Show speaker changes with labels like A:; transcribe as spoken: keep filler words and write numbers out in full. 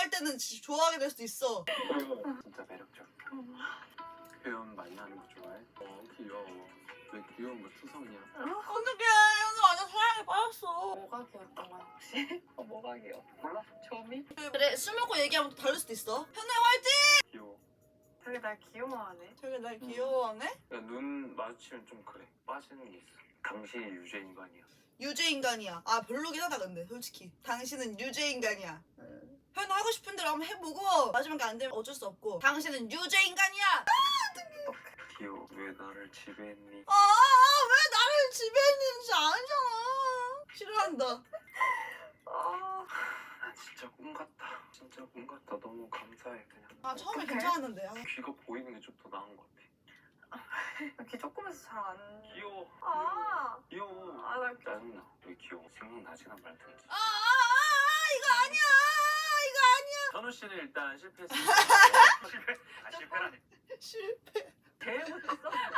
A: 할 때는 진짜 좋아하게 될 수도 있어.
B: 진짜 매력적. 표현 많이 하는 거 좋아해? 어 귀여워. 왜 귀여운 거 투성이야?
A: 어떡해, 현우 완전 사랑에 빠졌어.
C: 뭐가 귀엽던 거야 혹시? 어, 뭐가 귀여워?
B: 몰라?
C: 점이?
A: 그래, 술 먹고 얘기하면 또 다를 수도 있어. 현우야 화이팅!
B: 귀여워.
C: 되게 날 귀여워하네.
A: 되게 날 귀여워하네?
B: 눈 마주치면 좀 그래. 빠지는 게 있어. 당신이 유죄 인간이야.
A: 유죄 인간이야. 아 별로긴 하다 근데 솔직히. 당신은 유죄 인간이야. 현우 하고 싶은 대로 한번 해보고 마지막에 안 되면 어쩔 수 없고. 당신은 유죄 인간이야.
B: 귀여워. 왜 나를 지배했니?
A: 아, 왜 나를 지배했는지 아니잖아. 싫어한다.
C: 아,
B: 나 진짜 꿈 같다. 진짜 꿈 같다. 너무 감사해 그냥.
A: 아 처음에
C: 어떡해?
A: 괜찮았는데. 아.
B: 귀가 보이는 게 좀 더 나은 것 같아.
C: 귀 조금해서 잘 안.
B: 귀여워.
C: 아,
B: 귀여워.
C: 아, 나
B: 짜증나. 왜 귀여워? 생각나지나 말든지.
A: 아, 아, 아, 이거 아니야. 이거 아니야.
B: 현우 씨는 일단 실패했습니다. 실패. 아 실패라니.
A: 실패.
C: 제일 못했어.